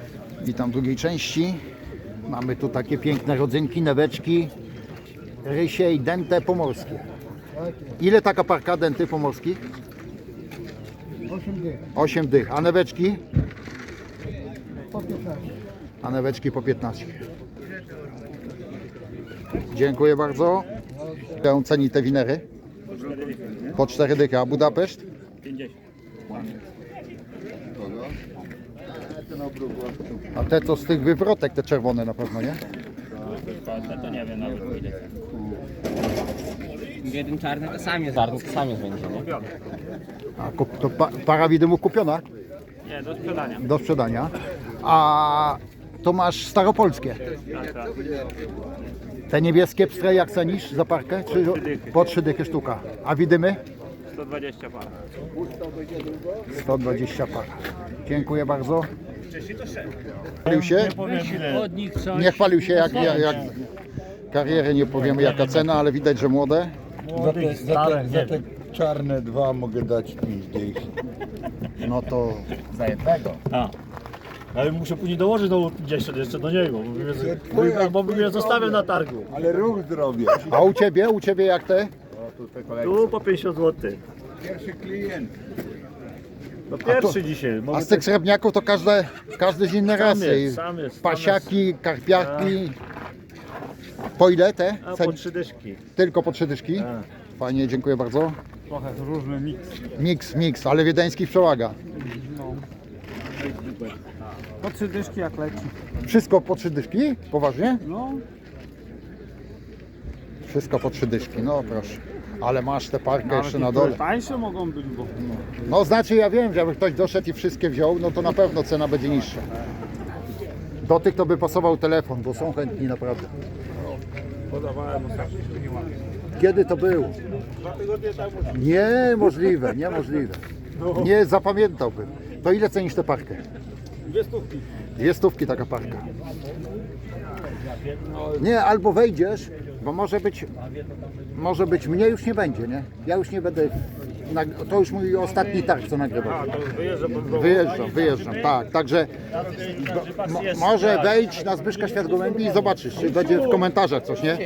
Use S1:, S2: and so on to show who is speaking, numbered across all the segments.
S1: Witam w drugiej części. Mamy tu takie piękne rodzynki, neweczki, rysie i dęte pomorskie. Ile taka parka dęty pomorskich?
S2: 8 dych.
S1: 8 dych. A neweczki?
S2: Po 15.
S1: A neweczki po 15. Dziękuję bardzo. Jak ceni te winery? Po 4 dychy. A Budapeszt?
S3: 50.
S1: A te to z tych wywrotek, te czerwone na pewno, nie?
S3: To nie wiem nawet ile.
S4: Jeden czarny to samiec. Czarny to samiec będzie, nie?
S1: A to para widymów kupiona
S3: Nie, do sprzedania.
S1: do sprzedania. A to masz staropolskie.
S3: Tak.
S1: Te niebieskie pstre jak cenisz za parkę? Czy po 3 dychy sztuka? A widymy?
S3: 120 par.
S1: 120 par. Dziękuję bardzo. Chwalił się? Nie chwalił się jak kariery, nie powiemy jaka cena, ale widać, że młode.
S5: Za te czarne dwa mogę dać 5 dych.
S1: No to
S4: Za jednego.
S6: Ale muszę później dołożyć nową 50 jeszcze do niego, bo bym je zostawił na targu.
S5: Ale ruch zrobię.
S1: a u ciebie? U ciebie jak te?
S6: Tu po 50 zł.
S5: Pierwszy klient.
S6: No pierwszy dzisiaj.
S1: A z tych srebrniaków to każdy z innej rasy.
S6: Sam jest.
S1: Pasiaki, karpiarki. Po ile te?
S6: A po 3 dyszki.
S1: Tylko po 3 dyszki?
S6: Tak.
S1: Fajnie, dziękuję bardzo.
S6: Trochę różny miks.
S1: Miks, ale wiedeński przełaga.
S2: Po 3 dyszki jak leci.
S1: Wszystko po 3 dyszki? Poważnie?
S2: No,
S1: Wszystko po 3 dyszki, no proszę. Ale masz tę parkę jeszcze na dole.
S2: tańsze mogą być, bo
S1: No znaczy ja wiem, że jakby ktoś doszedł i wszystkie wziął, no to na pewno cena będzie niższa. Do tych to by pasował telefon, bo są chętni naprawdę. Kiedy to było? Niemożliwe, niemożliwe. Nie zapamiętałbym. To ile cenisz tę parkę? 2 stówki taka parka. Nie, albo wejdziesz, bo może być mnie już nie będzie, nie? Ja już nie będę, to już mój ostatni targ, co nagrywam. Wyjeżdżam, tak, także może wejdź na Zbyszka Świat-Gołębi i zobaczysz, czy będzie w komentarzach coś, nie?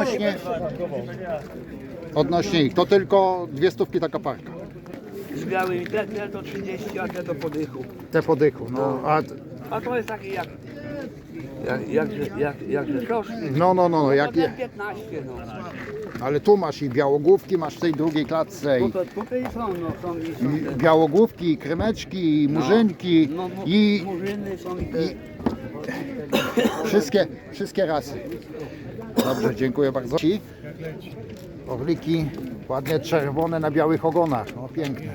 S1: Odnośnie ich, to tylko 2 stówki taka parka.
S7: Z białym te to 30, a te to po dychu.
S1: Te po dychu, no,
S7: A to jest taki jak rzeczoszki.
S1: no, jak
S7: Ten
S1: je.
S7: 15, no.
S1: Ale tu masz i białogłówki, masz w tej drugiej klatce i
S7: Tutaj są, no są i są te.
S1: białogłówki, i krymeczki, i murzynki, i
S7: Murzyny są i te.
S1: wszystkie rasy. Dobrze, dziękuję bardzo. Orliki ładnie czerwone na białych ogonach, no piękne.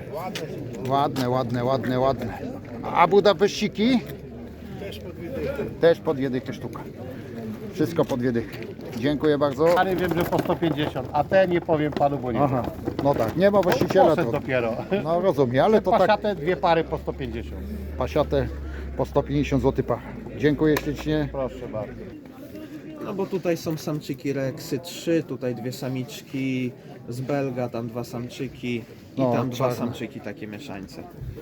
S1: Ładne. A Budapeściki? Też po 2 dychy sztuka. Wszystko po 2 dychy. Dziękuję bardzo.
S6: Pary wiem, że po 150, a te nie powiem panu, bo nie
S1: Aha, no tak, nie ma właściciela
S6: Poszedł
S1: to.
S6: dopiero.
S1: No rozumiem, ale to tak
S6: Pasiate 2 pary po 150.
S1: pasiatę po 150 zł par. Dziękuję ślicznie.
S6: Proszę bardzo.
S4: No bo tutaj są samczyki Rexy 3, tutaj 2 samiczki z Belga, tam 2 samczyki i
S1: No,
S4: tam 2
S1: czarne.
S4: samczyki takie mieszańce.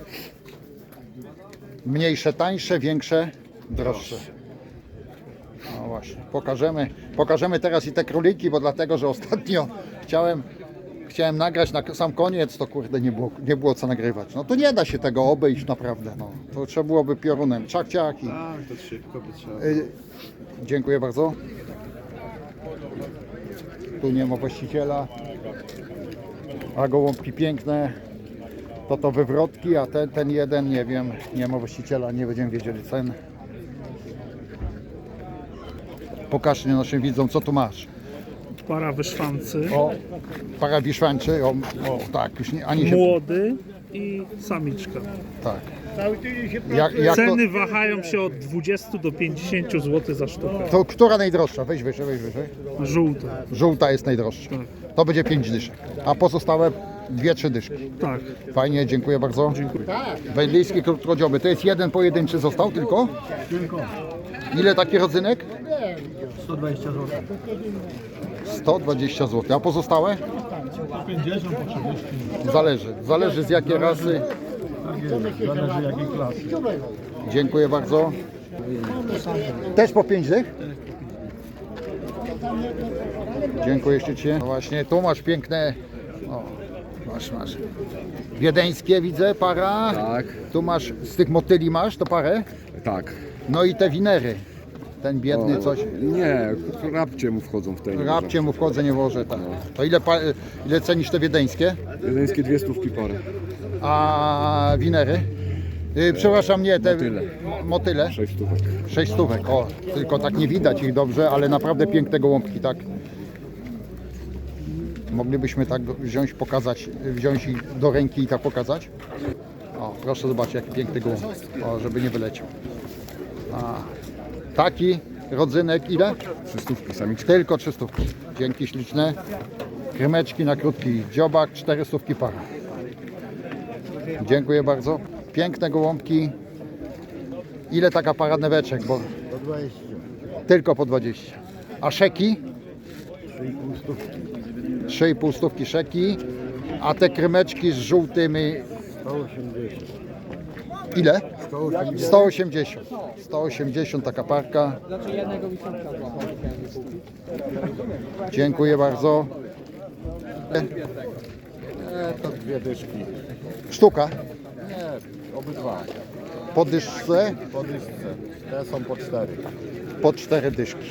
S1: Mniejsze, tańsze, większe, droższe. No właśnie, pokażemy teraz i te króliki, bo dlatego, że ostatnio chciałem nagrać na sam koniec, to kurde nie było co nagrywać. No to nie da się tego obejść naprawdę, no. To trzeba byłoby piorunem, ciak i...
S4: Tak, to szybko by trzeba.
S1: Dziękuję bardzo. Tu nie ma właściciela. A gołąbki piękne. To wywrotki, a ten jeden, nie wiem, nie ma właściciela, nie będziemy wiedzieli cen. Pokaż naszym widzom, co tu masz.
S8: Para wyszwancy,
S1: O, para wiszwańczy, o tak, już nie, ani się...
S8: młody i samiczka.
S1: Tak. Jak
S8: Ceny wahają się od 20 do 50 zł za sztukę.
S1: to która najdroższa? Weź wyżej.
S8: Żółte.
S1: Żółta jest najdroższa. To będzie 5 dyszek, a pozostałe 2-3 dyszki.
S8: Tak.
S1: Fajnie, dziękuję bardzo.
S8: Dziękuję.
S1: Wędlijski krótkodzioby. To jest jeden pojedynczy został tylko? Ile taki rodzynek?
S2: 120 zł.
S1: 120 zł. A pozostałe?
S2: 50 po 30.
S1: Zależy z jakiej rasy.
S2: Tak jest, zależy jakiej klasy.
S1: Dziękuję bardzo. Też po 5 dych? Dziękuję ślicznie. No właśnie, tu masz piękne... O, masz. Wiedeńskie widzę, para.
S9: Tak,
S1: Tu masz, z tych motyli masz to parę?
S9: tak.
S1: No i te winery. Ten biedny coś.
S9: Nie, rapcie mu wchodzą w te.
S1: Rapcie mu wchodzę, nie włożę. Tak. To ile cenisz te wiedeńskie?
S9: Jedyńskie 200 parę.
S1: A winery? Przepraszam, nie, te
S9: Motyle.
S1: motyle.
S9: 6 stówek.
S1: 6 stówek, o, tylko tak nie widać ich dobrze, ale naprawdę piękne gołąbki, tak. Moglibyśmy tak wziąć, pokazać, wziąć ich do ręki i tak pokazać. O, proszę zobaczyć, jaki piękny gołąb, o, żeby nie wyleciał. A, taki rodzynek, ile?
S9: 300 samiczka.
S1: Tylko 300. Dzięki śliczne. Krymeczki na krótki dziobak, 400 para. Dziękuję bardzo. Piękne gołąbki. Ile taka para neweczek? Bo...
S5: Po 20.
S1: Tylko po 20. A szeki? 3,5 stówki szeki. A te krymeczki z żółtymi?
S5: 180.
S1: Ile?
S5: 180.
S1: 180. 180 taka parka. Dziękuję bardzo.
S5: To 2 dyszki.
S1: Sztuka?
S5: Nie, obydwa.
S1: Po dyszce?
S5: Po dyszce. Te są po 4.
S1: Po 4 dyszki.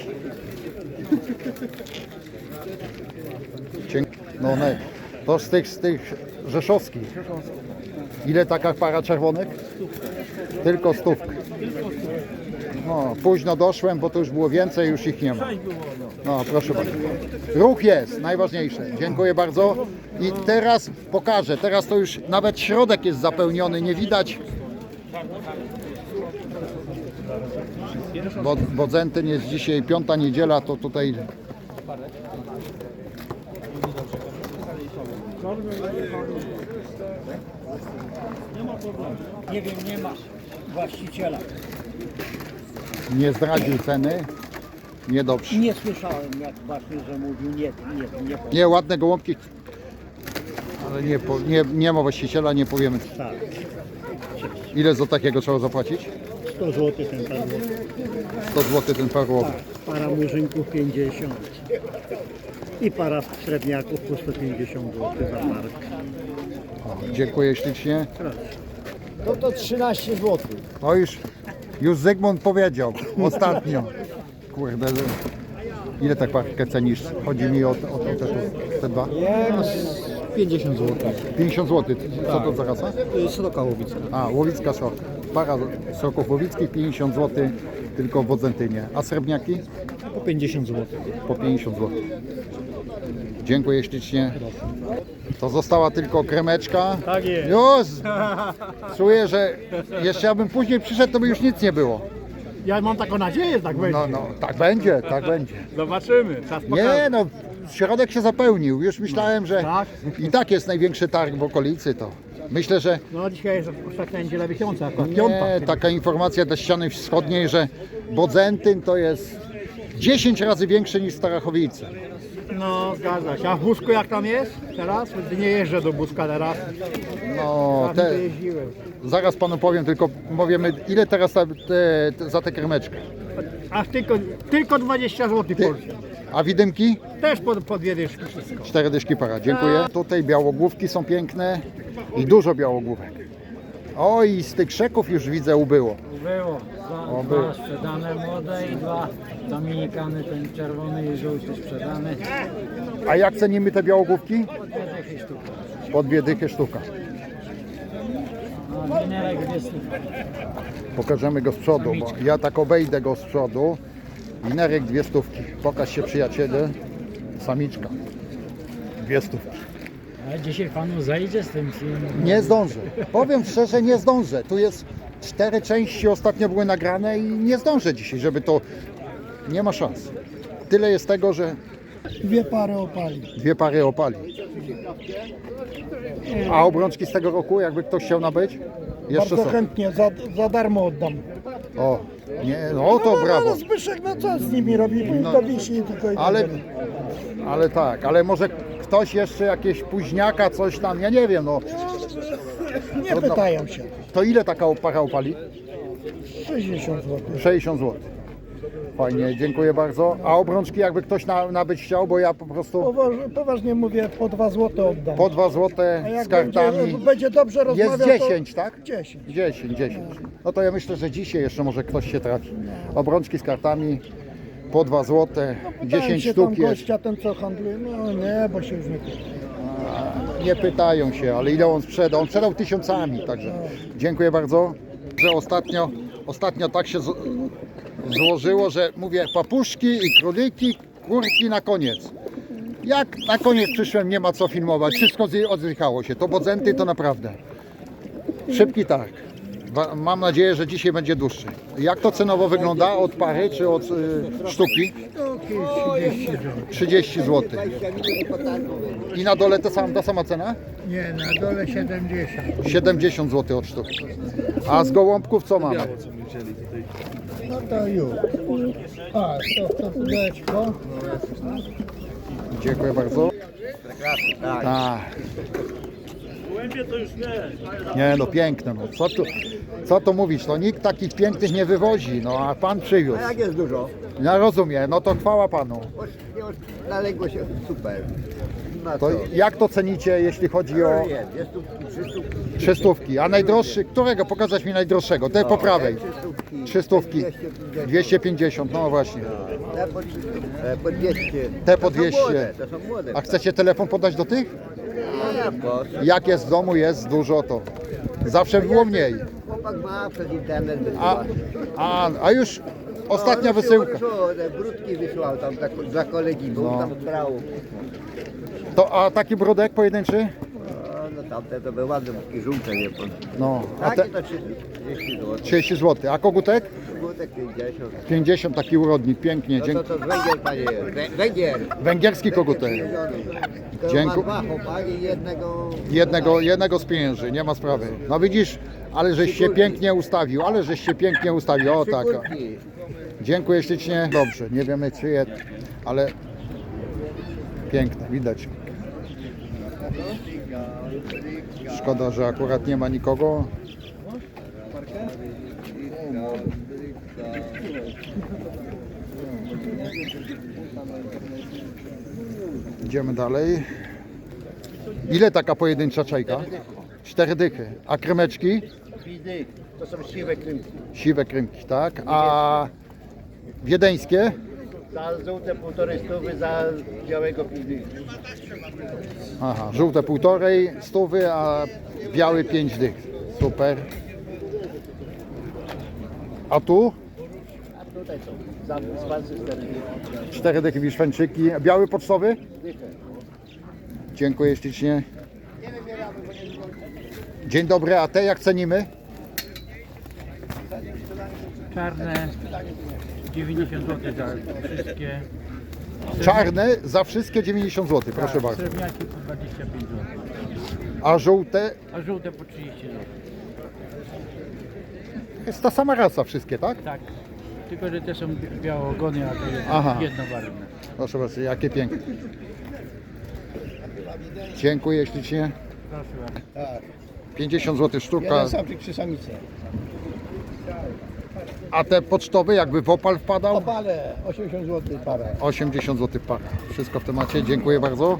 S1: No nie. To z tych rzeszowskich. Ile taka para czerwonych? Tylko 100. No, późno doszłem, bo to już było więcej, już ich nie ma. No, proszę bardzo. Ruch jest, najważniejsze. Dziękuję bardzo. I teraz pokażę. Teraz to już nawet środek jest zapełniony, nie widać. Bo Bodzentyn jest dzisiaj 5. niedziela, to tutaj...
S2: Nie wiem, nie ma właściciela.
S1: Nie zdradził ceny. Niedobrze.
S2: Nie słyszałem, jak właśnie, że mówił nie.
S1: Nie, ładne gołąbki. Ale nie ma właściciela, nie powiemy.
S2: Tak.
S1: Ile za takiego trzeba zapłacić?
S2: 100 zł ten parł.
S1: 100 zł ten parłowy.
S2: Para murzynków 50. I para srebrniaków po 150 zł za markę.
S1: Dziękuję ślicznie.
S2: No to 13 zł.
S1: No już Zygmunt powiedział ostatnio. Kurde, ile tak parkę cenisz? Chodzi mi o te dwa.
S2: 50 zł.
S1: 50 zł. Co to za rasa?
S2: Sroka łowicka.
S1: A, łowicka sroka. Para sroków łowickich 50 zł, tylko w Bodzentynie. A srebrniaki?
S2: Po 50 zł.
S1: Po 50 zł. Dziękuję ślicznie. To została tylko kremeczka.
S2: Tak jest.
S1: Już! Czuję, że jeszcze ja bym później przyszedł, to by już nic nie było.
S2: Ja mam taką nadzieję, że tak będzie.
S1: No, tak będzie, tak będzie.
S2: Zobaczymy. Czas
S1: Nie no, środek się zapełnił. Już myślałem, że
S2: Tak?
S1: i tak jest największy targ w okolicy, to myślę, że
S2: No dzisiaj jest ostatnia niedziela miesiąca, akurat piąta.
S1: nie, taka informacja dla ściany wschodniej, że Bodzentyn to jest 10 razy większy niż Starachowice.
S2: No zgadza się. A w Busku jak tam jest teraz? Nie jeżdżę do Buska teraz.
S1: No,
S2: Tam to jeździłem.
S1: zaraz panu powiem, tylko powiemy ile teraz za tę kremeczkę.
S2: Aż tylko 20 zł Polski.
S1: A widymki?
S2: Też po 2 dyszki wszystko.
S1: 4 dyszki para, dziękuję. Tutaj białogłówki są piękne i dużo białogłówek. O i z tych szeków już widzę ubyło.
S10: Było.
S1: O, było.
S10: Dwa sprzedane młode i 2 dominikany, ten czerwony i żółty sprzedany.
S1: A jak cenimy te białogłówki?
S10: Dychy sztuka.
S1: Po 2 dychy sztuka.
S10: No, winerek 200.
S1: Pokażemy go z przodu, bo ja tak obejdę go z przodu. Winerek 2 stówki. Pokaż się przyjaciele. Samiczka. 2 stówki.
S10: A dzisiaj panu zajdzie z tym filmem?
S1: Nie zdążę. Powiem szczerze, nie zdążę. Tu jest 4 części ostatnio były nagrane i nie zdążę dzisiaj, żeby to... Nie ma szans. Tyle jest tego, że
S2: 2 pary opali.
S1: 2 pary opali. A obrączki z tego roku, jakby ktoś chciał nabyć? Jeszcze są.
S2: chętnie, za darmo oddam.
S1: O, nie, no to brawo.
S2: Zbyszek na co z nimi robi?
S1: No.
S2: To wisi tylko i
S1: Ale tak, ale może ktoś jeszcze jakieś późniaka, coś tam, ja nie wiem, no.
S2: nie pytają się.
S1: To ile taka para opali?
S2: 60 zł.
S1: 60 zł. Fajnie, dziękuję bardzo. A obrączki jakby ktoś nabyć chciał, bo ja po prostu
S2: Poważnie mówię, po 2 zł oddam.
S1: po 2 zł z kartami.
S2: Będzie dobrze
S1: Jest
S2: rozmawiał,
S1: 10, tak?
S2: 10.
S1: 10. No to ja myślę, że dzisiaj jeszcze może ktoś się trafi. Obrączki z kartami po 2 zł, 10 sztuk jest.
S2: Gościa, ten co handluje, no nie, bo się już nie pyta.
S1: Nie pytają się, ale ile on sprzedał? On sprzedał tysiącami, także dziękuję bardzo, że ostatnio tak się złożyło, że mówię papuszki i króliki, kurki na koniec. Jak na koniec przyszłem, nie ma co filmować, wszystko odzychało się, to bodzenty to naprawdę. Szybki targ. Mam nadzieję, że dzisiaj będzie dłuższy. Jak to cenowo wygląda? Od pary czy od sztuki? 30 zł. I na dole ta sama cena?
S2: Nie, na dole 70.
S1: 70 zł od sztuki. A z gołąbków co mamy?
S2: No to już. A, to pudełeczko.
S1: Dziękuję bardzo. Tak.
S6: Gołębie to już nie.
S1: Nie no piękne. No. Co tu mówić? No nikt takich pięknych nie wywozi, no a pan przywiózł.
S7: Jak jest dużo?
S1: Ja rozumiem, no to chwała panu.
S7: Zaległo się super.
S1: To jak to cenicie, jeśli chodzi o 300? A najdroższy, którego? Pokazać mi najdroższego, te po prawej. 300, 250, no właśnie.
S7: Po 200.
S1: Te po 200.
S7: To są młode.
S1: A chcecie telefon podać do tych? Jak jest w domu, jest dużo, to zawsze było mniej.
S7: Chłopak ma przez internet wysyła.
S1: A już ostatnia wysyłka.
S7: Brudki wysłał tam dla kolegi, bo tam brał.
S1: A taki brodek pojedynczy?
S7: No tamte to były ładne, takie żółte, nie pan.
S1: No, a
S7: Takie
S1: te
S7: to 30 zł.
S1: 30 zł. A kogutek?
S7: Żółtek 50.
S1: 50, taki urodnik, pięknie.
S7: No to węgiel, panie jest. Węgiel.
S1: Węgierski kogutek. Dziękuję.
S7: Ma 2 chłopaki i
S1: Jednego z pieniędzy, nie ma sprawy. No widzisz, ale żeś się pięknie ustawił, o tak.
S7: kurki.
S1: Dziękuję ślicznie. Dobrze, nie wiemy czyje, ale piękne, widać. Szkoda, że akurat nie ma nikogo. Idziemy dalej. Ile taka pojedyncza czajka? 4 dychy. A krymeczki?
S7: To są siwe krymki.
S1: Siwe krymki, tak. A wiedeńskie?
S7: Za żółte 1,5 stówy, za białego 5 dych.
S1: Aha, żółte 1,5 stówy, a biały 5 dych. Super. A tu?
S7: A tutaj są z walcy
S1: 4 dychy wiszwęczyki. A biały pocztowy? Dziękuję ślicznie. Dzień dobry, a te jak cenimy?
S10: Czarne 90 zł za wszystkie.
S1: Czarne za wszystkie 90 zł, proszę bardzo.
S10: Srebrniaki po 25 zł.
S1: A żółte?
S10: A żółte po 30 zł.
S1: Jest ta sama rasa wszystkie, tak?
S10: Tak. Tylko, że te są białogony, a to jest
S1: Aha.
S10: jednobarwne.
S1: Proszę bardzo, jakie piękne. Dziękuję ślicznie.
S10: Proszę bardzo.
S1: 50 zł sztuka.
S7: samczyk, 3 samice.
S1: A te pocztowe jakby w opal wpadał?
S7: Opale 80 zł para.
S1: 80 zł para. Wszystko w temacie, dziękuję bardzo.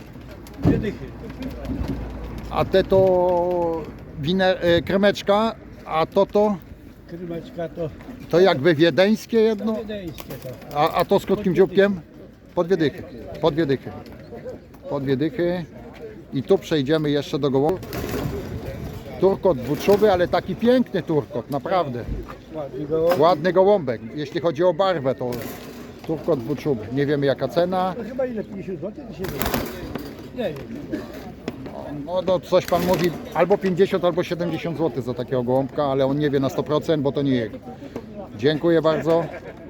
S1: A te to kremeczka, a to
S2: Krymeczka to
S1: to jakby wiedeńskie jedno,
S2: wiedeńskie to.
S1: a to z krótkim dzióbkiem? Po 2 dychy. Po 2 dychy. I tu przejdziemy jeszcze do gołąbka. Turkot dwuczuby, ale taki piękny turkot, naprawdę. Ładny gołąbek. Jeśli chodzi o barwę, to turkot dwuczuby. Nie wiemy jaka cena.
S2: To chyba ile? 50 zł? To się nie wiem.
S1: No coś pan mówi, albo 50, albo 70 zł za takiego gołąbka, ale on nie wie na 100%, bo to nie jego. Dziękuję bardzo.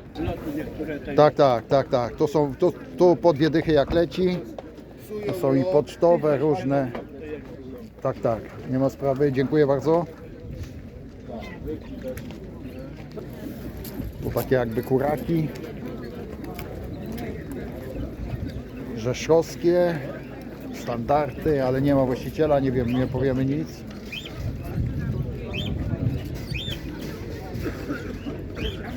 S1: Tak. To są tu po 2 dychy jak leci. To są i pocztowe różne. Tak, nie ma sprawy. Dziękuję bardzo. Tu takie jakby kuraki. Rzeszowskie. Standardy, ale nie ma właściciela, nie wiem, nie powiemy nic.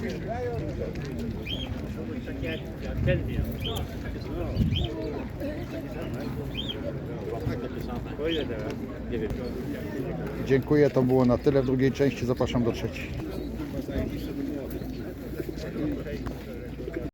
S1: Dziękuję, to było na tyle w drugiej części. Zapraszam do trzeciej.